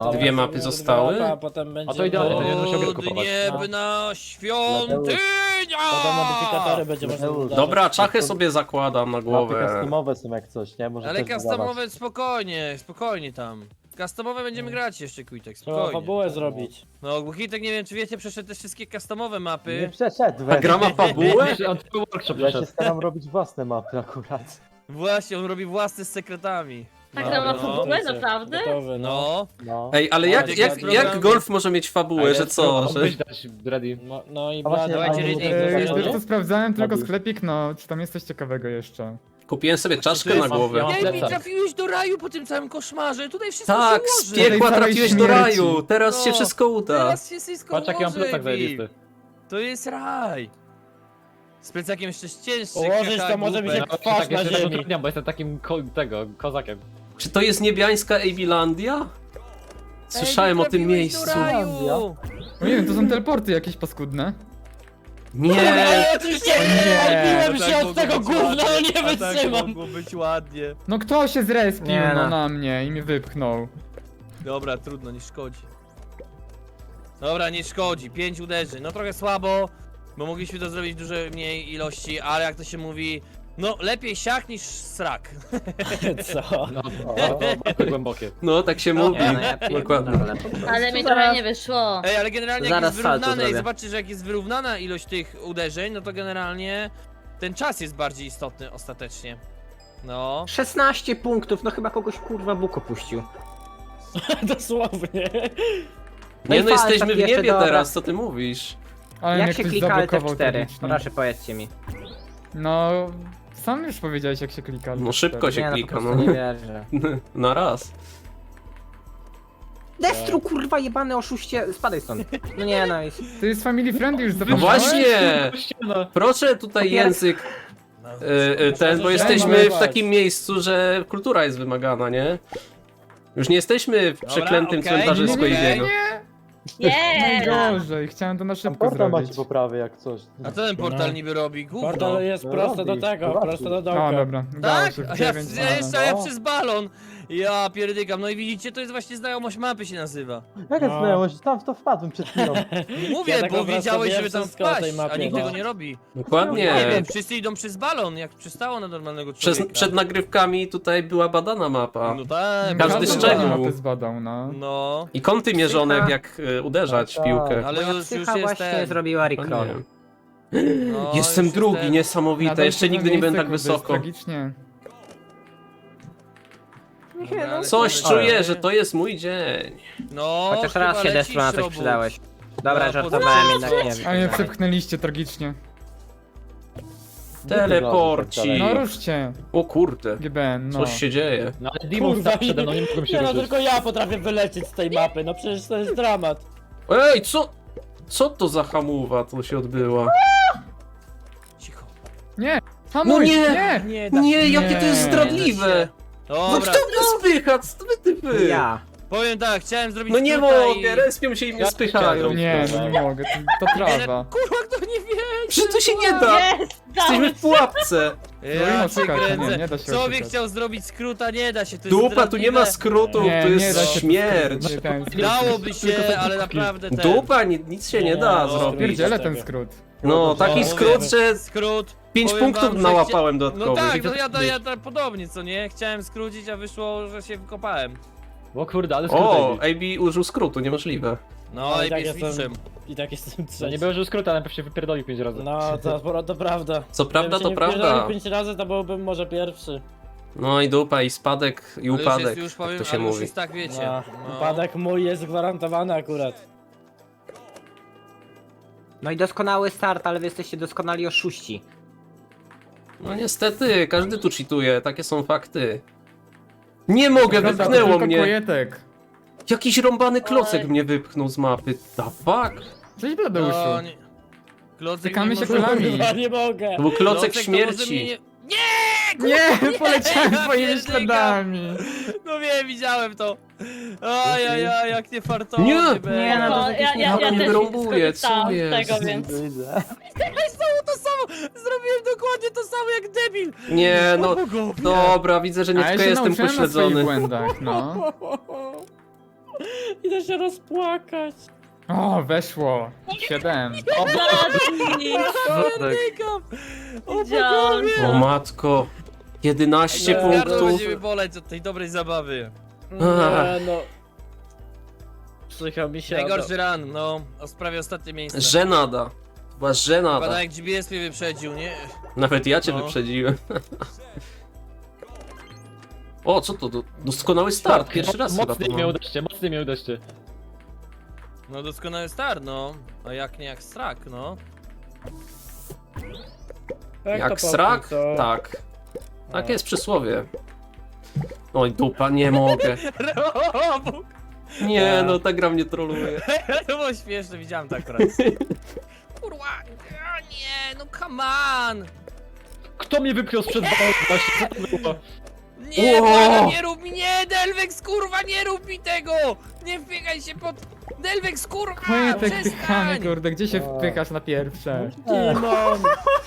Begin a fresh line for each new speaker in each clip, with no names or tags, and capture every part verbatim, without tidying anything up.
Dwie mapy zostały?
A potem będzie...
A to idealnie, to nie będę musiał gry kupować.
Odniebna świątynia!
Potem modyfikatory będzie można
Mateusz.
dodawać.
Dobra, czachę sobie zakładam na
Mapy
głowę.
customowe są jak coś, nie? Może
Ale
też
customowe spokojnie, spokojnie tam. Customowe będziemy grać jeszcze, Quitek,
Trzeba
spokojnie.
fabułę zrobić.
No, bo Quitek, nie wiem czy wiecie, przeszedł te wszystkie customowe
wydawać. Nie
mapy.
przeszedł,
A
weź.
gra ma fabułę?
On tylko workshop
Ja się
przeszedł.
staram robić własne mapy akurat.
Właśnie, on robi własne z sekretami.
Tak
No,
gra na
no.
fabułę, naprawdę?
Gotowy, no.
No,
No.
Ej, ale jak, jak, jak golf może mieć fabułę, że co? Że...
Byś dać ready.
No, no i
A właśnie,
Blady-
dawajcie
a nie
rating.
mogę
Eee,
zrobić,
wiesz
Wiesz
nie?
co, sprawdzałem tylko
Robisz.
sklepik, no, czy tam jest coś ciekawego jeszcze.
Kupiłem sobie czaszkę na
mam-
głowę.
ja mam
Ej, mi
plecak.
trafiłeś do raju po tym całym koszmarze, tutaj wszystko
Tak,
się
z
ułoży.
piekła
Tej całej
trafiłeś do
śmierci.
raju, teraz się
No,
wszystko uda.
Teraz się wszystko
Patrz jaki mam
ułoży,
plecak
Wi.
zajebisty.
To jest raj. Z plecakiem jeszcze cięższy.
Ułożyć
haha,
to może mi się
głupek.
kwasz
Tak,
na
jeszcze
ziemi.
utrudniam, bo jestem takim ko tego, kozakiem.
Czy to jest niebiańska Ejbilandia? Słyszałem
Ej,
o tym
trafiłeś do
miejscu.
raju.
No nie wiem, to są teleporty jakieś paskudne.
Nie!
Ale oczywiście odbiłem
No
się
tak
od tego
mogło być
gówna, no nie
ładnie. A tak
wytrzymam.
mogło być ładnie.
No kto się zrespił
Nie
no,
no.
na mnie i mnie wypchnął?
Dobra, trudno, nie szkodzi. Dobra, nie szkodzi. Pięć uderzeń. No trochę słabo, bo mogliśmy to zrobić w dużej mniej ilości, ale jak to się mówi, no lepiej siak niż srak.
Co?
No,
O,
to bardzo głębokie.
No, tak się mówi.
Nie, no ja
Dokładnie.
pierdolę po prostu.
Ale mi trochę nie wyszło.
Ej, ale generalnie jak
Zaraz
jest
salto
wyrównane i
zrobię.
zobaczysz, że jak jest wyrównana ilość tych uderzeń, no to generalnie ten czas jest bardziej istotny ostatecznie. No.
szesnaście punktów, no chyba kogoś kurwa Bóg opuścił.
Dosłownie.
No
Nie
i
no,
falstart
jesteśmy w
jeszcze,
niebie
dobra.
teraz, co ty mówisz?
Ale
Jak
mnie
się
ktoś
klika Alt F
zablokował
cztery?
tragicznie.
Proszę powiedzcie mi.
No, sam już powiedziałeś jak się klika.
No szybko się
Nie no, po
klika,
prostu
no.
nie wierzę.
Na raz.
Destru kurwa jebany oszuście, spadaj stąd. No nie no, jest...
To jest family friendly już
No
zapomniałeś?
właśnie!
Ściana.
Proszę tutaj
Popieram.
język e, e, ten, bo jesteśmy w takim miejscu, że kultura jest wymagana, nie? Już nie jesteśmy w
Dobra,
przeklętym
okej.
cmentarzysku
Nie, nie, nie,
Iwiego.
Nie!
Najgorzej, chciałem to na
Tam
szybko
portal macie
zrobić.
poprawy jak coś.
A co ten portal
No.
niby robi? Gówno.
Portal jest
No
prosto do
robi,
tego,
robi.
prosto do
O,
dołka.
dobra, udało
Tak?
się w
A ja,
dziewięć.
ja jeszcze ja
no.
przez balon. Ja pierdykam. No i widzicie, to jest właśnie znajomość mapy się nazywa.
Jaka
No.
znajomość? Tam w to wpadłem przed chwilą.
Mówię,
Ja tak
bo
po prostu
wiedziałeś,
wiem
żeby tam
wszystko o tej
wpaść, a
mapie,
nikt
no.
tego nie robi. Nie
Dokładnie.
wiem, wszyscy idą przez balon, jak przystało na normalnego
Przez,
człowieka.
przed nagrywkami tutaj była badana mapa.
No tak,
Każdy
bardzo
szczegół.
ładnie.
mapę zbadał, no.
No,
I kąty mierzone,
Psycha.
jak e, uderzać w
Tak,
piłkę.
ale
Moja
już, już
psycha
jest
właśnie
ten.
zrobiła
O
recall.
nie.
No,
Jestem
już
drugi,
ten.
niesamowite.
Nadal
Jeszcze
siódme
nigdy nie byłem
miejsce,
tak
kurde, jest
wysoko.
Tragicznie.
Dobra, ale
Coś
to-
czuję, że to jest mój dzień.
No,
Chociaż raz
chyba
się Destru na
lecisz,
coś
robót.
przydałeś. Dobra,
No,
żartowałem
po-
jednak nie
A mnie
wiem.
przepchnęliście tragicznie.
Teleporci.
No ruszcie,
O kurde,
G B N, no.
coś się dzieje.
No ale Demon
Kurwa,
stał przede mną, nie mogłem się
Nie no,
ruszyć.
tylko ja potrafię wylecieć z tej mapy, no przecież to jest dramat.
Ej, co? Co to za hamuwa tu się odbyła?
Cicho.
Nie! Hamuj!
nie!
nie!
Nie da
Nie,
się.
jakie to jest
Nie.
zdradliwe! No
Dobra,
kto mnie spycha? Co wy typy?
Ja.
powiem tak, chciałem zrobić
No nie
skróta
mogę,
i...
respią się i mnie
Ja
spychają.
Nie, no nie mogę, to, to trawa.
Kurwa, kto nie wie?
Przecież to się nie da!
Jest!
Jesteśmy w pułapce!
No
Ja
i
cię
oszukać, nie,
kręcę.
nie da się
Co by
oszukać.
chciał zrobić skróta? Nie da się, to jest
Dupa, tu nie ma
zdradliwe.
skrótu,
Nie,
to
nie
jest
da się
śmierć.
Nie, ten skrót.
Dałoby się, ale naprawdę ten...
Dupa, ni- nic się nie da
No,
zrobić.
Pierdzielę
tego.
ten skrót.
No, taki
No,
skrót,
mówię,
że
Skrót.
pięć
powiem
punktów
wam, że
nałapałem
No
dodatkowych.
tak, no ja, ja, ja tak podobnie, co nie? Chciałem skrócić, a wyszło, że się wykopałem.
O kurde, ale
O,
skrót.
A B użył skrótu, niemożliwe.
No
Ale
i
tak
jest
jestem-
mistrzem.
I tak jestem
No
trzeci.
nie było, że skrót, ale najpierw się wypierdolił pięć razy.
No, to, to prawda.
Co prawda,
Gdybym się
to
nie
prawda.
wpierdolił pięć razy, to byłbym może pierwszy.
No i dupa, i spadek, i
Ale już
upadek,
jest, już powiem,
to się
ale już
mówi.
jest tak, wiecie.
No,
No.
upadek mój jest gwarantowany akurat.
No i doskonały start, ale wy jesteście doskonali oszuści.
No niestety, każdy tu cheatuje, takie są fakty. Nie mogę,
Prawda, to
wypchnęło
tylko
mnie!
Kłojetek.
Jakiś rąbany klocek
Oj.
mnie wypchnął z mapy. The fuck?
Cześć
No,
Bladeuszu.
nie. Klocek
Stykamy
nie
się
może-
kolami.
Kurwa, nie mogę.
To był klocek
Klocek to może mnie
śmierci.
nie-
Nie, poleciałem
ja
twoimi
pierdykam.
śladami.
No wiem, widziałem to. Ajajaj, jak nie fartowy
Nie.
był.
Nie, no to
No,
jakieś
ja, ja, ja
nie
też
wyrąbuje, co
skorzystałam z
jest?
tego, więc...
Widzę.
Znowu to samo! Zrobiłem dokładnie to samo jak debil!
Nie, no,
Bogowie.
dobra, widzę, że nie
A ja
tylko
się
jestem
nauczyłem na swoich
pośledzony.
błędach, no.
Idę się rozpłakać.
O, weszło. Siedem.
Widziałam.
O matko. jedenaście
Gardło
punktów.
będziemy boleć od tej dobrej zabawy.
Nie no. Psycha mi się.
Najgorszy run, no, o sprawie ostatnie miejsce.
Żenada. Była żenada.
Pada jak G B S mnie wyprzedził, nie?
Nawet ja cię
No.
wyprzedziłem. O, co to? Do- Doskonały start. Pierwszy raz chyba to
Mocniej mnie
mam.
uderzcie, mocniej mnie uderzcie.
No doskonały start, no. A jak nie jak strak, no.
Jak srak? Tak. Tak jest przysłowie. Oj, dupa, nie mogę. Nie, no ta gra mnie troluje.
To było śmieszne, widziałem to akurat. Kurwa, a nie, no come on!
Kto mnie wypchnął sprzed balonu właśnie? Co to było?
Nie,
Ło!
błagam, nie rób mi, nie, Delvex, kurwa, nie rób mi tego! Nie wbiegaj się pod... Delvex, kurwa,
Koniec pychamy,
przestań!
kurde, gdzie się
O.
wpychasz na pierwsze?
Timon!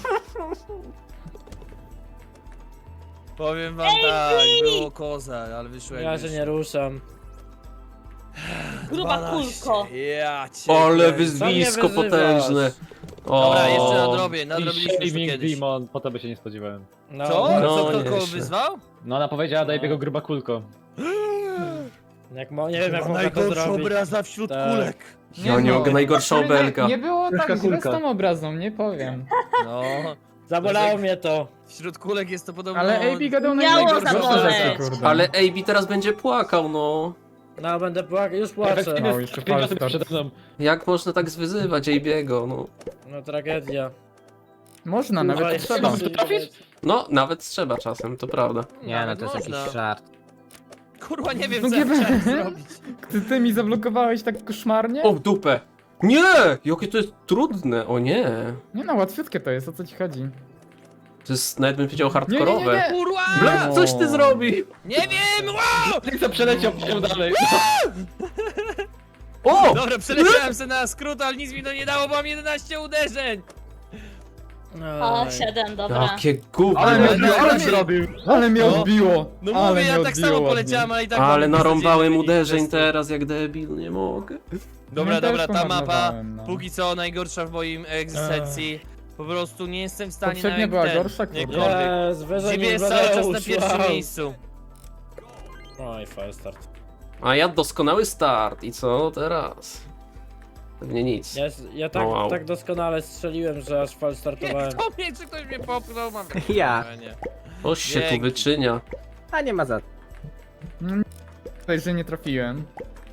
Powiem wam tak, było koza, ale wyszło jak
Ja się
wyszło.
nie ruszam.
Gruba
dwanaście.
kulko.
Ja cię
Ale
kręcę.
wyzwisko
wyzywasz?
potężne. O.
Dobra, jeszcze nadrobię, nadrobiliśmy już to
Shaming
kiedyś.
Demon, po tobie się nie spodziewałem.
No.
Co?
No,
Co, kto
nie
kogo
jeszcze.
wyzwał?
No ona powiedziała, daj biego gruba kulko.
Jak mo nie wiem jak można to zrobić.
obraza wśród
Tak.
kulek.
Ja nie mogę, najgorsza
Ale
obelga.
Nie, nie było tak
Kulka,
źle z
kulka.
tą obrazą, nie powiem.
No,
Zabolało mnie to.
wśród kulek jest to podobno...
Ale A B gadał
Miało
najgorsze
zaboleć.
rzeczy, kurde.
Ale A B teraz będzie płakał, no.
No będę płakał, już płaczę.
No, jeszcze
Pięć osób
falstart.
przede mną.
Jak można tak zwyzywać A B'ego, no.
No tragedia.
Można, nawet
Kurwa,
trzeba.
jeszcze
Trafić?
No, nawet trzeba czasem, to prawda.
Nie, no
Nawet
to jest
można.
jakiś żart.
Kurwa, nie wiem
No
co ja
nie
chciałem
wiem.
zrobić.
Ty, ty mi zablokowałeś tak koszmarnie?
O, w dupę! Nie! Jakie to jest trudne, o nie.
Nie no, łatwiutkie to jest, o co ci chodzi?
To jest, nawet bym powiedział,
Nie, nie, nie,
hardkorowe.
nie.
Kurwa!
Bla, coś ty zrobił!
Nie wiem! Wow!
Nikt co przeleciał, pociął dalej.
O!
Dobra, przeleciałem se na skrót, ale nic mi to nie dało, bo mam jedenaście uderzeń!
O,
Oj.
siedem, dobra.
Jakie gówno.
Ale mnie
Ale-
odbiło, ale,
ale-
zrobił. Ale mnie
No.
odbiło.
No
ale
mówię,
mnie
ja tak
odbiło
samo
ładnie.
poleciałem, ale i tak...
Ale
mam
narąbałem
beznadziejny
uderzeń
wynik
teraz jak debil, nie mogę.
Dobra,
Ja też
dobra, ta mapa,
pomarnowałem, no.
póki co najgorsza w moim egzystencji. Po prostu nie jestem w stanie
Poprzednia
nawet
była
ten,
gorsza, kurde.
jakkolwiek.
Jest, wyżej
Ciebie
niż
jest cały czas na
Beleusz,
pierwszym
wow.
miejscu.
Oj, faststart.
A ja doskonały start i co teraz? Pewnie nic.
Ja, ja tak,
O, wow.
tak doskonale strzeliłem, że aż fal startowałem.
Kto mnie, czy ktoś mnie popchnął? Mam
Ja.
wrażenie.
Coś się tu
Dzięki.
wyczynia.
A nie ma za
Tutaj, że nie trafiłem.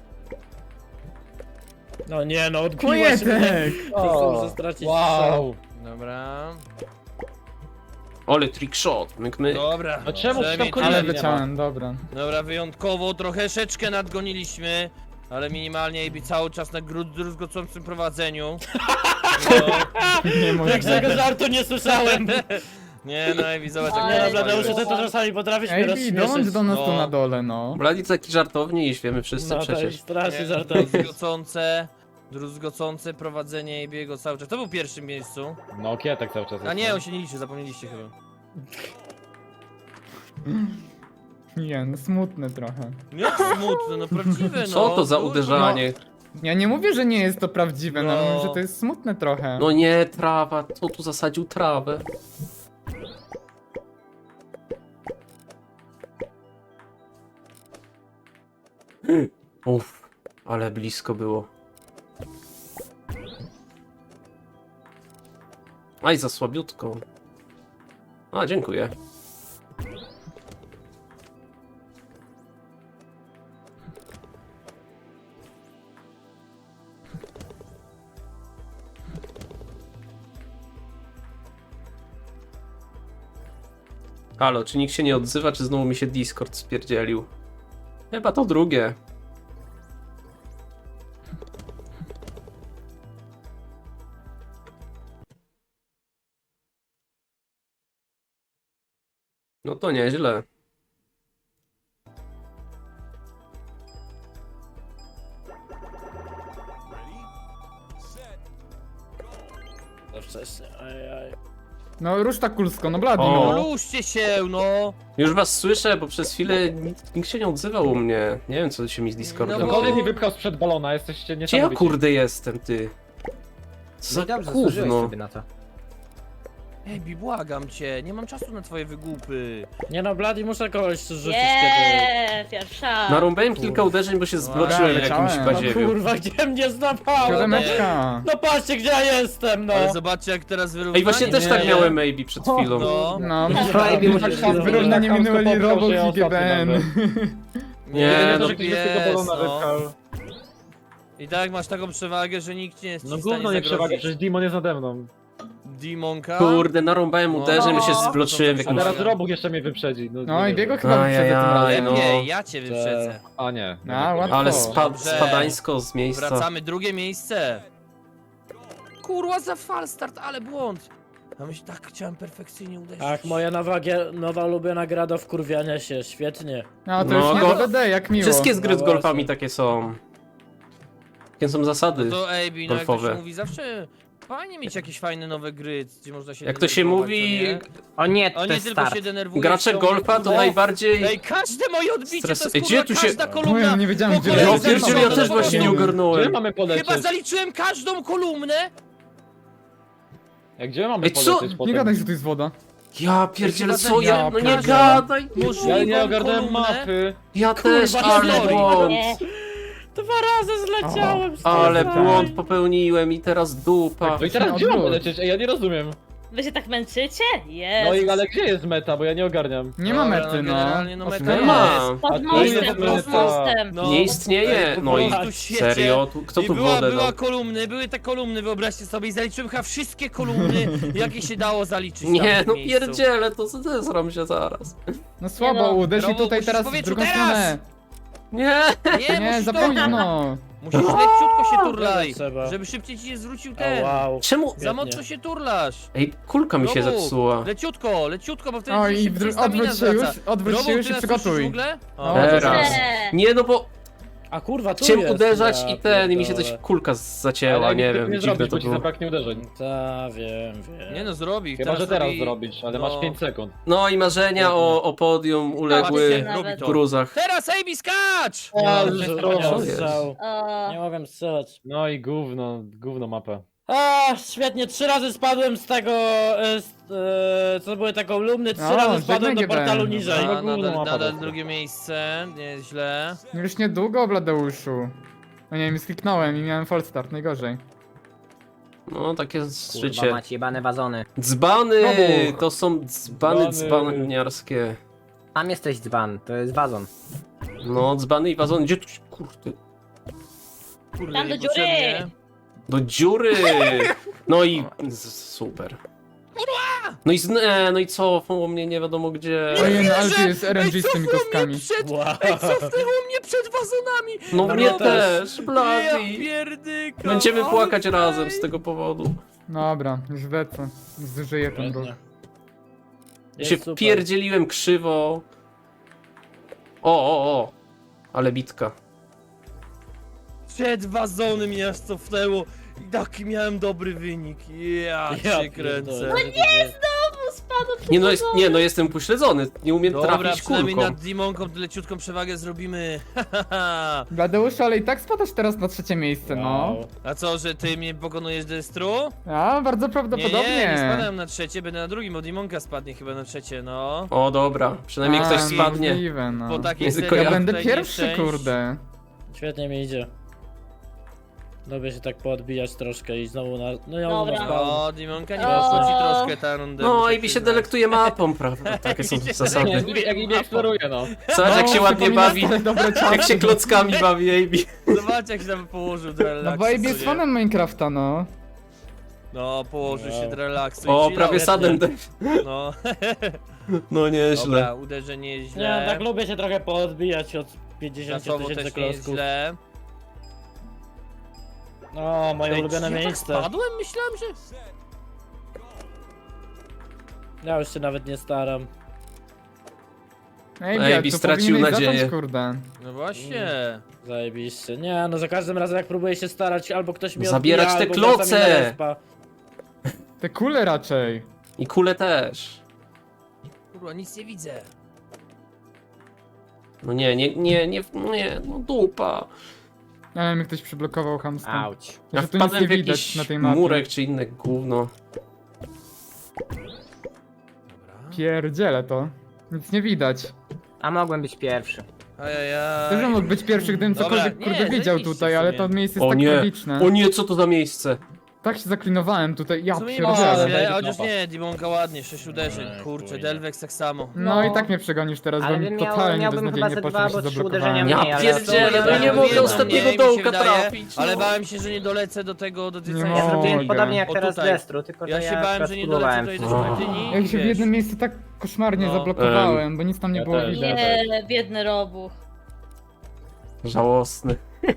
No nie no, odbiła się mnie.
Pojetek!
To muszę stracić
Wow.
Dobra.
Ole, trick shot, myk myk.
Dobra.
No czemu
przynajmniej
tam
tyle.
Ale
nie ma.
leciałem, dobra.
Dobra, wyjątkowo troszeczkę nadgoniliśmy, ale minimalnie i cały czas na gru- druzgocącym prowadzeniu. No,
Nie mogę.
Jak tego żartu nie słyszałem.
nie no, Ewi, zobacz
Ale-
Nie
jak
no,
to
Bladeusz,
jest.
ty to czasami potrafisz mnie
Ej,
rozśmieszyć.
dołącz do nas tu
No.
na dole, no.
Bladic taki żartowniś, wiemy wszyscy
No to
przecież.
jest strasznie
Nie,
żartowy.
Druzgocące, druzgocące prowadzenie Ebiego cały czas. To był w pierwszym miejscu.
No kietek cały czas.
A
jest,
nie,
no.
on się nie liczy, zapomnieliście chyba.
Nie, no smutne trochę.
Nie smutne, no prawdziwe no.
Co to za
Dużo.
uderzanie?
Ja nie mówię, że nie jest to prawdziwe, no,
No.
mówię, że to jest smutne trochę.
No nie, trawa, kto tu zasadził trawę? Uff, ale blisko było. Aj, za słabiutko. A, dziękuję. Halo, czy nikt się nie odzywa, czy znowu mi się Discord spierdzielił? Chyba to drugie. No to nieźle.
To wcześnie, ajaj.
No rusz tak kulsko, no blady,
O.
No
no.
ruszcie się, no!
Już was słyszę, bo przez chwilę nikt, nikt się nie odzywał u mnie. Nie wiem, co się mi z Discordem
No bo-
Ktokolwiek
dzieje.
mi wypchał sprzed balona, jesteście
Gdzie ja
niesamowici.
kurde jestem, ty? Co
No
za
i dobrze, zasłużyłeś
gówno?
sobie na to.
Ej, błagam cię, nie mam czasu na twoje wygłupy.
Nie no, Blady, muszę kogoś rzucić kiedy...
Jeee, pierwsza.
Narąbałem kilka uderzeń, bo się zbloczyłem w jakimś
leciałem.
No
badziewiu.
kurwa, gdzie mnie złapałem? No,
Siódemeczka.
no patrzcie, gdzie ja jestem, no.
Ale zobaczcie jak teraz wyrównanie.
Ej, właśnie też
nie?
tak miałem maybe przed chwilą.
No.
No,
Maybe
tak
musisz
czas
się
wyrównanie
tak
minęli
chamsko
Robok
poproszę, ja
i G B N.
ostatni
Nie,
Nie,
no
to, że ktoś bez tego
jest,
balona
no.
wypchał.
I tak masz taką przewagę, że nikt nie jest ci
No
w stanie
gówno nie przewaga,
zagrozić.
przecież Demon jest nade mną.
Demonka?
Kurde, narąbałem
No.
uderzeń, bo się
No.
zbloczyłem w
A
jakimś...
teraz Robuch jeszcze mnie wyprzedzi. No,
No
nie
i biego
wiem.
chyba wyprzedzę tym
Ajajaj,
razem.
no.
Nie, ja cię wyprzedzę.
A nie.
A, łatwo.
Ale spa
Dobrze.
spadańsko z miejsca.
Wracamy, drugie miejsce. Kurwa za falstart, ale błąd. Ja myślę, tak chciałem perfekcyjnie uderzyć.
Ach, moja nowa, gie- nowa ulubiona gra do wkurwiania się, świetnie.
No to
No,
już nie
go-
D D D, jak miło.
Wszystkie z gry
No
z golfami
właśnie.
takie są. Takie są zasady.
To Ej, no jak to
golfowe.
się mówi, zawsze fajnie mieć jakieś fajne nowe gry, gdzie można się
Jak to się
denerwować,
mówi,
co nie?
O nie,
O
to
nie
jest
tylko
start.
się denerwuje.
gracze golfa to najbardziej...
Ej, każde moje odbicie
Stres-
to jest
Ej,
kurwa,
gdzie tu się-
każda
No
kolumna.
ja nie wiedziałem,
po
gdzie
kolei
Ja
lecieć.
pierdzielę, ja też właśnie nie
Gdzie
ogarnąłem.
mamy polecieć?
Chyba zaliczyłem każdą kolumnę.
Jak gdzie mamy
Ej, co?
polecieć
Nie
potem?
gadaj, że to jest woda.
Ja pierdzielę,
Chyba
co ja...
za-
No nie
Ja
gadaj!
Możliwą
Ja nie ogarnąłem
kolumnę.
mapy.
Ja też,
Kurwa,
ale
sorry.
błąd.
Nie.
Dwa razy zleciałem z tej
Ale
strony.
błąd popełniłem i teraz dupa.
No i teraz
No,
gdzie mam
odwrót.
polecieć? Ej, ja nie rozumiem.
Wy się tak męczycie?
No
Jest.
i ale gdzie jest meta, bo ja nie ogarniam.
Nie ma
Dobra,
mety, no.
generalnie no
Osiem.
meta
Nie ma.
jest.
Pod
A tu
mostem,
jest
pod
meta.
mostem.
No.
Nie istnieje.
Ej,
No i
po prostu świecie.
serio? Tu- Kto
I
tu
była,
wodę
była
dał?
kolumny, były te kolumny, wyobraźcie sobie, i zaliczyłem chyba wszystkie kolumny, jakie się dało zaliczyć tam
Nie,
w
no
miejscu.
pierdzielę, to zesram się zaraz.
No słabo,
Nie no.
uderz i
Robo,
tutaj
musisz
teraz w
powiedzieć,
drugą
teraz!
stronę.
Nie!
Nie,
Nie,
musisz
za
to-
późno.
Musisz leciutko się turlaj,
Trzeba.
żeby szybciej ci się zwrócił
O,
ten.
wow.
Czemu?
Za mocno się turlasz.
Ej, kulka mi się
Robu,
zepsuła.
Leciutko, leciutko, bo wtedy
O
ci się
i wdru-
stamina
odwróć się już,
zwraca.
odwróć
Robu,
się już
ty
i
nas słyszysz w
przygotuj.
ogóle?
No,
Teraz.
Nie.
Nie, no bo
A kurwa, tu
chciałem
jest,
uderzać
ja
i ten, i mi się
pierdolę.
coś kulka zacięła,
Ale
nie
nic
wiem,
nie
dziwne
zrobić,
to
bo ci
było.
zabraknie uderzeń.
Ta, wiem, wiem.
Nie no, zrobi.
Chyba, że teraz
robi-
zrobić, ale
no.
masz pięć sekund.
No i marzenia o, o podium uległy
Patrzcie, robi to.
w gruzach.
Teraz Ejbi skacz!
O,
Ja
nie
już
mogłem
trochę.
strzał.
O,
Nie mogłem strzelać.
No i gówno, gówno mapę.
A, świetnie, trzy razy spadłem z tego, e, z, e, co były te kolumny, trzy
O,
razy spadłem do
żegnaj
portalu
G B N.
niżej.
No,
A,
gówno
nadal,
mapa
nadal
dobra.
drugie miejsce, nieźle.
Już niedługo, Bladeuszu. No nie wiem, skliknąłem i miałem false start, najgorzej.
No, takie jest
Kurwa,
życie.
macie jebane wazony.
Dzbany!
Robuch.
To są dzbany
Dzbany.
dzbaniarskie.
Tam jesteś dzban, to jest wazon.
No, dzbany i wazony. Gdzie tu się, kurde,
Kurde,
Tam do
niepotrzebnie.
dziury.
do dziury! No i z- super. No i z, e, no i cofnął mnie nie wiadomo gdzie.
Ojej, no ale
wierzę!
tu jest R N G
Ej,
z tymi
cofnął
kostkami.
mnie przed...
Wow.
Ej, cofnęło mnie przed wazonami!
No
No
mnie
ja
też,
Ja
blady.
pierdyka!
Będziemy
ale
płakać
fajnie.
razem z tego powodu.
Dobra, już lecę. Zużyję ten ruch.
Świetnie.
Ja się
Jest super.
wpierdzieliłem krzywo. O, o, o. Ale bitka.
Przed wazony mnie aż cofnęło i taki miałem dobry wynik. Ja,
Ja
cię kręcę.
pierdolę.
znowu spadł przed
Nie no, jest,
wodą.
nie no, jestem upośledzony. Nie umiem
Dobra,
trafić
przynajmniej
kulką.
nad Dimonką leciutką przewagę zrobimy.
Bladeuszu, ale i tak spadasz teraz na trzecie miejsce, no.
Wow.
A co, że ty mnie pokonujesz Destru?
A, bardzo
Nie, nie,
prawdopodobnie.
nie spadam na trzecie, będę na drugim, bo Dimonka spadnie chyba na trzecie, no.
O dobra, przynajmniej
A,
ktoś spadnie.
Możliwe, no.
Po takiej
Nie,
serii
tylko
Ja
ja
będę
tutaj
pierwszy,
nieszczęść.
kurde.
Świetnie mi idzie. Lubię się tak poodbijać troszkę i znowu na... No ja
Dobra.
mam
O, Dimonka nie
O.
poszło ci troszkę ta runda.
No
muszę
i mi się
przyznać.
delektuje mapą, prawda? Takie są
Nie,
zasady.
jak Ibi eksploruje, no.
Zobacz jak się ładnie
przypomina
bawi.
stare dobre czasy.
Jak się klockami bawi, Ejbi.
Zobacz jak się tam położył do
No
relaksu.
bo Abe jest
co nie?
fanem Minecrafta, no.
No, położył się
Wow.
do relaksu.
O,
i
prawie
chillał.
sadem.
No,
No nieźle.
dobra, uderzenie
Nie,
źle.
tak lubię się trochę poodbijać od pięćdziesięciu
Czasowo
tysięcy
też nie jest
klocków.
źle.
O, moje
Ej,
ulubione
ja tak
miejsce.
spadłem? Myślałem, że...
Ja już się nawet nie staram.
Ej,
Abe
jak tu
stracił
powinieneś
nadzieję.
zacząć, kurde.
No właśnie.
Zajebiście. Nie, no za każdym razem jak próbuję się starać, albo ktoś mnie
Zabierać
odbija,
te
albo wraca mi
kloce!
na respa.
Te kule raczej.
I kule też.
Kurwa, nic nie widzę.
No nie, nie, nie, nie, nie, no dupa.
Ale mnie ktoś przyblokował chamsko.
Auć.
Ja
Że tu nic
wpadłem
nie
w
widać
jakiś
na tej mapie.
murek czy inne gówno.
Pierdzielę to. Nic nie widać.
A mogłem być pierwszy.
Eee.
Też
Ajajaj.
mógł być pierwszy, gdybym
Dobra,
cokolwiek
nie,
kurde wiedział
zajebiście
tutaj,
w
ale
sumie.
to miejsce
O
jest tak
nie.
tragiczne.
O nie, co to za miejsce?
Tak się zaklinowałem tutaj, ja
W sumie nie
pierdzielę.
ma,
pierdzielę.
chociaż nie, Dimonka ładnie, sześć uderzeń,
Nie,
kurczę,
chuj, nie.
Delvex tak samo.
No
No.
i tak mnie przegonisz teraz,
Ale
bo mi
bym miał-
totalnie
miałbym chyba
beznadziejnie
ze
poszło,
dwa
że się
albo trzy uderzenia
zablokowałem.
mniej,
Ja
ale
pierdzielę,
to-
no nie
ja
mogę
wiem,
ostatniego
mniej, mi się
dołka
wydaje,
trafić.
Ale
no.
bałem się, że nie dolecę do tego, do tej
Nie
całej
Ja
mogę.
zrobiłem
Mogę.
podobnie jak
O,
teraz
tutaj.
Destru, tylko że
Ja
ja
się bałem,
akurat
że nie dolecę
próbowałem
tutaj do
wstrzymać.
świątyni.
Ja się w
wiesz.
jednym miejscu tak koszmarnie
No.
zablokowałem, bo nic tam nie
Ja
było
też.
widać.
Nie, biedny robuch.
Żałosny.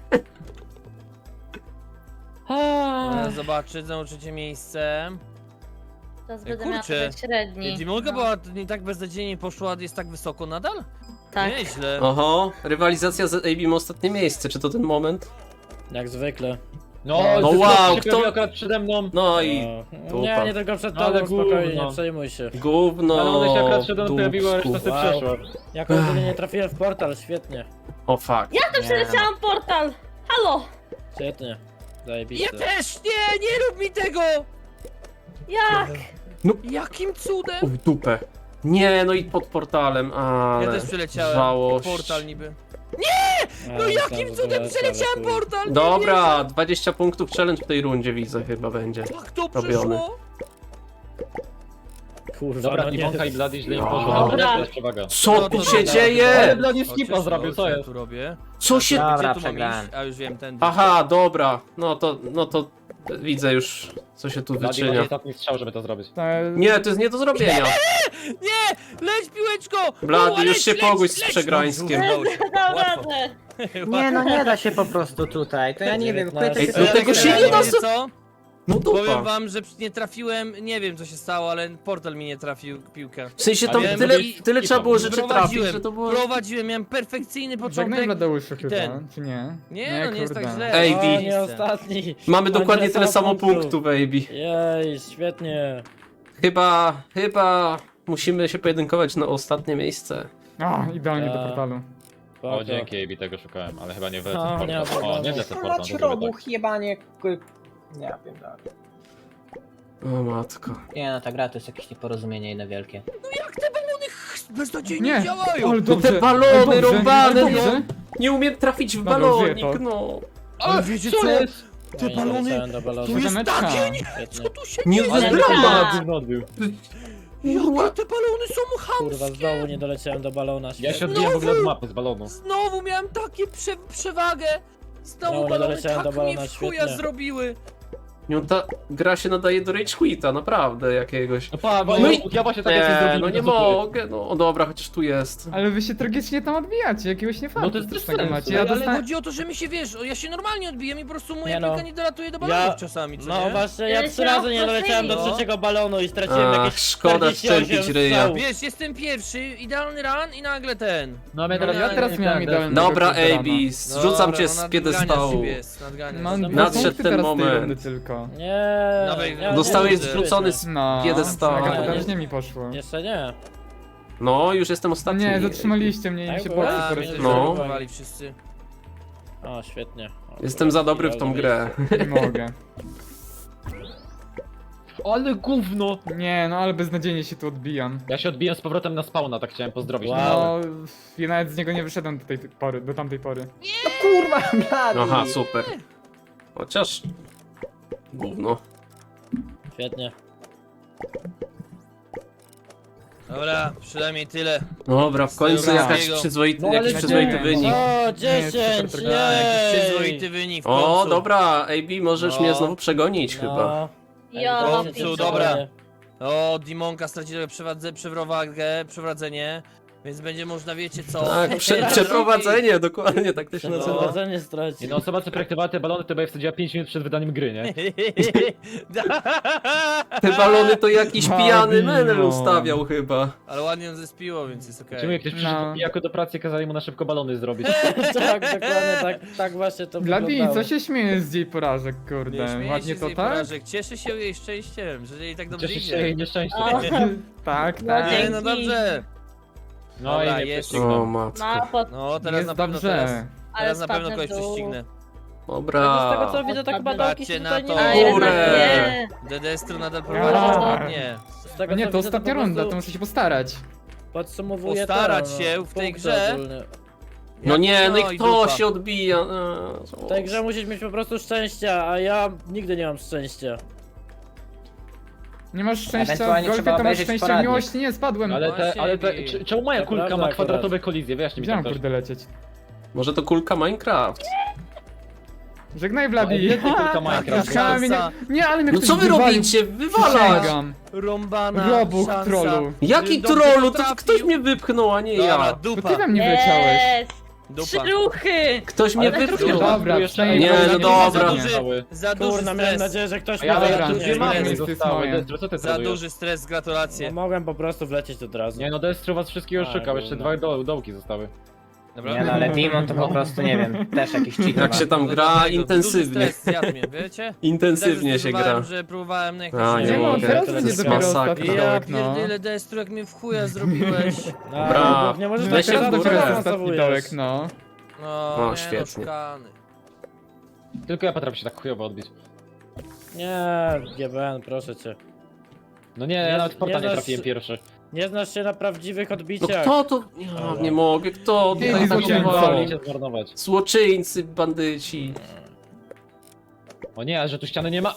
No, zobaczy, znowu trzecie miejsce.
Teraz
Ej,
będę miała
kurczę.
trochę średni.
Dimonka
No.
była nie tak beznadziejnie poszła, jest tak wysoko nadal?
Tak.
Nieźle.
Oho, rywalizacja z A B M ostatnie miejsce, czy to ten moment?
Jak zwykle.
No,
No
ty
wow,
wow,
kto-
kto akurat przede mną.
No i
No,
dupa.
nie, nie tylko przed
No, ale
tobą, spokojnie,
gówno.
nie przejmuj się.
gówno.
Ale ona się akurat przede mną pojawiła, a reszta
dupsku.
sobie
Wow.
przeszła.
Jako jedynie nie trafiłem w portal, świetnie.
O fuck.
Ja to przeleciałam portal! Halo!
Świetnie.
Ja
Zajebiste.
też! Nie, nie rób mi tego!
Jak?
Jakim cudem?
U, w dupę. Nie, no i pod portalem, ale...
Ja też przeleciałem.
żałość.
Portal niby.
A,
No jakim
myślałem, że
cudem
to
przeleciałem
ale chuj.
portal? Nie
Dobra, dwadzieścia punktów challenge w tej rundzie widzę chyba będzie.
wierzę. Jak to
robiony.
przeszło?
Kurwa,
Dobra,
no nie.
Dimonka i Bloody źle im
No.
poszło.
Dobra.
Dobra, to jest przewaga.
Co
No
tu
to
się
dobra,
Ale
dzieje?
Bloody
O,
skipa
cześć,
zrobił,
o,
co
ja
jest?
tu robię?
Co się...
Dobra,
Gdzie tu mam
przegrałem.
iść? A już wiem, tędy.
Aha, dobra. No to, no to widzę już, co się tu
Bloody
wyczynia.
ma ostatni strzał, żeby to zrobić.
Ale-
Nie, to jest nie do zrobienia.
Nie! Leć piłeczko!
Blady,
Buła,
już
leć,
się
leć,
pogódź z
leć!
Przegrańskiem.
No, udało się.
Dał
Łatwo.
radę!
Nie no, nie da się po prostu tutaj, to ja nie wiem,
dziewiętnaście.
chwyty
Ej,
się
no tego się nie da
Wiecie co?
No
Powiem
dupa.
wam, że nie trafiłem, nie wiem co się stało, ale portal mi nie trafił piłkę.
W sensie
A
tam
wiem,
tyle,
i-
tyle trzeba było rzeczy trafić,
Prowadziłem,
że to było...
prowadziłem, miałem perfekcyjny
Żegnaj
początek.
Bladeuszu chyba,
ten.
czy nie?
Nie, no nie jest tak
kurde.
źle.
Ej,
O,
Bi.
nie ostatni.
Mamy
Mam
dokładnie tyle samo
punktów.
punktów, baby.
Jej, świetnie.
Chyba, chyba musimy się pojedynkować na ostatnie miejsce.
A, idealnie do
A.
portalu.
Spoko.
O, dzięki, A B, tego szukałem, ale chyba nie wlecę
No,
w
nie ma
portal. O,
problemu.
nie wlecę w portal,
Mać
to zrobię tak.
robuch, jebanie, k- nie wiem, tak.
O matko.
Nie no, ta gra to jest jakieś nieporozumienie jedno wielkie.
Jak te balony ch- beznadziejnie
Nie,
działają?
ale
No
dobrze,
te balony
ale dobrze,
rąbane,
ale
no.
dobrze.
Nie umiem trafić w
Dobra, użyję
balonik,
to.
no.
Ale wiecie
Co
co?
jest?
Te
No i
balony-
doleciałem do balonu.
Tu jest
Zameczka.
takie nie...
Świetnie.
Co tu się
Nie
dzieje?
wy dramat.
Gówno odbił.
Jakie te balony są
Kurwa,
chamskie?
znowu nie doleciałem do balona.
Ja się
Świetnie.
odbiłem w ogóle od mapy z balonu.
Znowu miałem takie prze przewagę. Znowu
No, nie
balony
doleciałem
tak
do balona,
mi w chuja
świetnie.
zrobiły.
No ta gra się nadaje do rage quita, naprawdę jakiegoś.
No pa, bo
No
ja,
i-
ja właśnie tak jak się
Nie,
zrobiłem.
no nie
to co ty?
mogę, no o, dobra, chociaż tu jest.
Ale wy się tragicznie tam odbijacie, jakiegoś niefartu
No to jest bez
strasznego
sensu.
macie.
Ja
Ja
ale
dostałem...
chodzi o to, że mi się wiesz, o, ja się normalnie odbiję i po prostu moja
Nie no.
piłka nie dolatuje do balonów
Ja-
czasami, co
No
nie?
właśnie, ja
Ja
trzy
się
razy nie doleciałem do
no.
trzeciego balonu i straciłem
Ach,
jakieś
szkoda
czterdzieści osiem
szczępić ryja.
strzałów.
Wiesz, jestem pierwszy, idealny run i nagle ten.
No, mnie
No,
teraz,
ja
teraz
nie
miałem
tak,
idealnego
Dobra,
weterana.
A B, zrzucam
Dobra,
cię
no,
z
nadganiasz
piedestału.
siebie jest, nadganiasz.
Mam
Dobra.
dwa
Nadszedł
punkty
ten
teraz z tej
moment.
rundy tylko.
Nie,
Dawaj,
nie,
Zostałeś
nie,
zrzucony z...
No,
Piedestału.
jaka
Nie,
potężnie mi poszło.
Jeszcze nie.
No, już jestem ostatni.
Nie, zatrzymaliście mnie i mi
Tak
się
było?
boksy
A, mnie też
poruszyły.
No.
zablokowali wszyscy.
O, świetnie. O,
Jestem za dobry w tą grę.
Nie mogę.
Ale gówno!
Nie, no ale beznadziejnie się tu odbijam.
Ja się odbiłem z powrotem na spawna, tak chciałem pozdrowić.
Wow.
No, ja nawet z niego nie wyszedłem do tej pory, do tamtej pory.
No kurwa, blady!
Aha, super. Chociaż... Gówno.
Świetnie.
Dobra, przynajmniej tyle.
Dobra, w końcu
Dobra.
jakaś przyzwoity,
No, ale
jakiś
nie.
przyzwoity wynik.
O,
jest
dziesięć!
super
Tak, jakiś
Jej!
przyzwoity wynik w
O,
końcu.
dobra, A B, możesz
No.
mnie znowu przegonić
No.
chyba.
Ja
W końcu,
pierdolę.
dobra. O, Dimonka straci trochę przewadze, przewrowagę, przewradzenie. Więc będzie można, wiecie co...
Tak, prze, przeprowadzenie, dokładnie, tak to się nazywa.
Przeprowadzenie straci.
Jedna osoba, co projektowała te balony, to będzie wsadziła pięć minut przed wydaniem gry, nie?
Te balony to jakiś pijany
Balino.
menel ustawiał chyba.
Ale ładnie ją zespiło, więc jest okej.
Czemu jak ktoś przyszedł
No.
jako do pracy, kazali mu na szybko balony zrobić.
Tak, dokładnie, tak, tak właśnie to
Bladi,
wyglądało.
co się śmiejesz z jej porażek,
Nie
kurde?
śmieję
Ładnie
się z
to
jej
tak?
porażek. Cieszę się jej szczęściem, że jej tak dobrze
Cieszy się
idzie.
jej nieszczęście.
O,
Tak,
No,
tak.
Nie, no dobrze.
No
Dobra,
i nie
jest.
prześcignął.
O matko.
no, pod...
No teraz
Jest
na pewno
dobrze.
teraz,
ale
teraz na pewno
spadnę
kogoś
w dół.
prześcignę.
Tego, z tego co
Dobra.
widzę, to chyba
Patrzcie
dołki się
na
tutaj
to.
nie
A
ma.
jednak
Kurde.
nie.
Dedestro nadal
Ja.
prowadzi ładnie.
Z tego,
No nie,
co
to
widzę,
ostatnia
po
runda,
prostu
to muszę się postarać.
Podsumowuję
Postarać
to,
się
no,
w tej
punkty
grze.
ogólne.
No nie, no i kto
dupa.
się odbija? Eee,
W tej grze musisz mieć po prostu szczęścia, a ja nigdy nie mam szczęścia.
Nie masz szczęścia w
Ewentualnie
golfie,
trzeba
to masz
obejrzeć
szczęścia w
poradnik.
miłości. Nie, spadłem.
Ale te, ale te,
Właśnie.
czy- czemu moja
To
kulka
prawda
ma kwadratowe
akurat.
kolizje? Wyjaśnij mi
Widziałem,
tak też.
kurde, lecieć.
Może to kulka Minecraft?
Żegnaj,
Ale
Bladi.
gdzie ty kulka Minecraft?
Spotkałem mnie-
Szansa.
Nie, ale mnie
No
ktoś
co wy
wywalił.
robicie? Wywalać!
Przysięgam.
Rąbana
Robuch,
szansa.
trollu.
Jaki
Dobrze
trollu? To
trafił.
ktoś mnie wypchnął, a nie
Dobra,
ja.
To
dupa.
ty we mnie wleciałeś.
Jest!
Dupa.
Trzy ruchy!
Ktoś mnie
Ale tak
wypchnął.
trudno.
Dobra,
Jeszcze
przynajmniej
Nie, no
nie
dobra.
Za
zabiję.
duży, za duży
Kurna, miałem
stres.
nadzieję, że ktoś
A ja
mnie
Dobra,
ale
wypchnie.
duże mamy
jest
zostały.
moje.
Destro, co ty
Za
trolujesz?
duży stres,
No,
gratulacje.
mogłem po prostu wlecieć od razu.
Nie no, Destro was wszystkich
A,
oszukał, jeszcze
kurna.
dwa do, dołki zostały.
Dobra?
Nie no, ale Demon to po prostu, nie wiem, też jakiś cheat
Jak
ma.
się tam
No
gra
dlatego,
intensywnie.
Duży stres zjadł mnie, wiecie?
Intensywnie
Też
się
próbowałem,
gra.
że próbowałem na
A,
jakieś...
nie
Nie no,
mogę.
teraz
To
będzie
jest
dopiero
masakra.
ostatni
Ja
dołek, no.
pierdolę, Destru, jak mnie w chuja zrobiłeś.
A,
Dobra,
bo nie możesz
weź
tak
się w
teraz
górę.
dopiero
Ostatni
awansowujesz.
dołek, no.
No,
No,
nie,
świetnie.
No, szukany.
Tylko ja potrafię się tak chujowo odbić.
Nie, G B N, proszę cię.
No nie,
Nie-
ja nawet w porta
nie
nie
znasz-
trafiłem pierwszy.
Nie znasz się na prawdziwych
No
odbiciach.
kto to? Ja nie mogę, kto
Ty,
tutaj
złoczyńco.
próbował?
Cię zmarnować.
Złoczyńcy, bandyci.
O nie, a że tu ściany nie ma.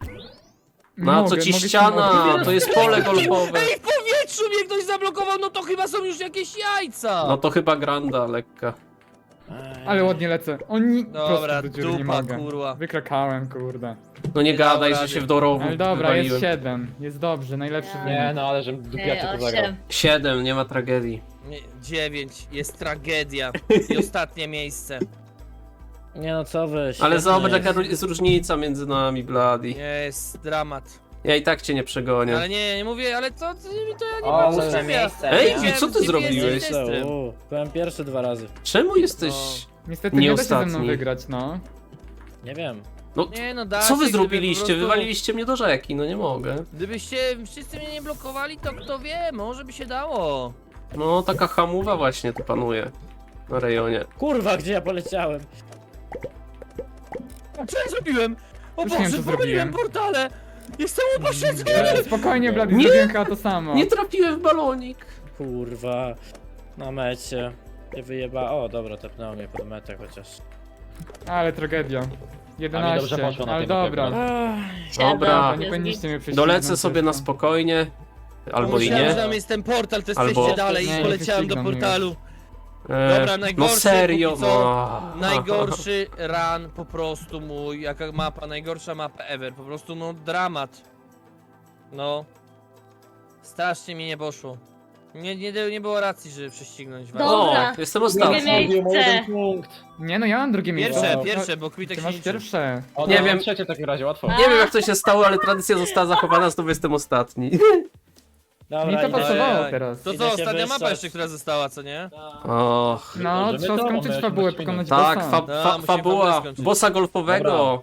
Na co
Mogę,
ci
mogę się
ściana?
modlić.
To jest pole golfowe.
Ej, w powietrzu mnie ktoś zablokował, no to chyba są już jakieś jajca.
No to chyba granda lekka.
Ej.
Ale ładnie lecę. Oni
Dobra,
prosto do dziury nie
dupa,
mogę.
kurwa.
Wykrakałem, kurde.
No nie
Nie
gadaj,
dam
że
rady.
się w dorowu
Ale dobra, jest
wywaliłem.
siedem. Jest dobrze, najlepszy
Nie.
wynik.
Nie no, ale żebym dupiacie to zagrał.
osiem.
Siedem, nie ma tragedii.
Nie, dziewięć, jest tragedia. I ostatnie miejsce.
Nie no, co wy?
Ale
świetnie
zobacz
jest.
jaka jest różnica między nami, Bloody.
Jest dramat.
Ja i tak cię nie przegonię.
Ale nie, nie mówię, ale to, to, to ja nie
O,
mam
ósme
co
miejsce.
Ej,
nie?
co ty
G P S
zrobiłeś?
jest testrem.
U, byłem pierwszy dwa razy.
Czemu jesteś...
Niestety
Nie
nie da się ze mną
ostatni.
wygrać, no.
Nie wiem.
No,
Nie no, da
co wy
się, gdyby
zrobiliście?
po prostu-
Wywaliliście mnie do rzeki, no nie mogę.
Gdybyście wszyscy mnie nie blokowali, to kto wie, może by się dało.
No, taka hamuwa właśnie tu panuje. Na rejonie.
Kurwa, gdzie ja poleciałem?
Co ja zrobiłem? O
Już nie wiem,
Boże,
co
pomyliłem
zrobiłem.
portale! Jestem upośledzony!
E, Spokojnie, Blady,
Nie.
zrobiłem chyba to samo.
Nie trafiłem w balonik.
Kurwa. Na mecie. Nie wyjeba. O, dobra, tepnęło mnie pod metę chociaż.
Ale tragedia. jedenaście,
dobrze poszło na
ale
tej mapie,
dobra.
Ach,
Dobra.
Dobra,
Jest
nie
git.
powinniście mnie prześcignąć.
Dolecę sobie na spokojnie. Albo i
Myślałem,
nie.
że tam jest ten portal, to
Albo-
jesteście dalej
Nie,
i
nie
poleciałem do
wyścigną mnie
portalu.
E,
Dobra,
no
najgorszy
serio,
póki co.
no.
Najgorszy run po prostu mój, jaka mapa, najgorsza mapa ever, po prostu no dramat. No. Strasznie mi nie poszło. Nie, nie, nie było racji, żeby prześcignąć was.
Dobra.
O, jestem
Drugie
ostatni.
miejsce.
punkt.
Nie no, ja mam drugie miejsce.
Pierwsze,
No,
pierwsze, bo Kwitek
Ty
się
masz
liczy.
pierwsze.
O,
Nie
nie
wiem.
wiem. Trzecie w takim razie, łatwo.
A.
Nie wiem jak to się stało, ale tradycja została zachowana, znowu jestem ostatni.
dobra,
Mi to
idę.
pasowało
Ojej.
teraz.
To
Idę
co,
się
ostatnia mapa
wyssać.
jeszcze, która została, co nie?
Och.
No,
Możemy
trzeba
to,
skończyć
możemy
fabułę,
śmiać.
pokonać
Tak,
bossa.
fa
No,
fa
musimy
fabuła
fabułę skończyć.
bossa golfowego.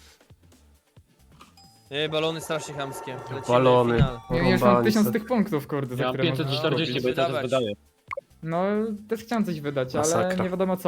Ej, balony strasznie chamskie. Lecimy,
Balony.
final.
Ja już mam
Porąbani
tysiąc
se.
tych punktów, kurde, za
Ja mam
które można
pięćset czterdzieści, bo
kupić.
i teraz
Wydawać.
wydaję.
No, też chciałem coś wydać, ale
Masakra.
nie wiadomo co.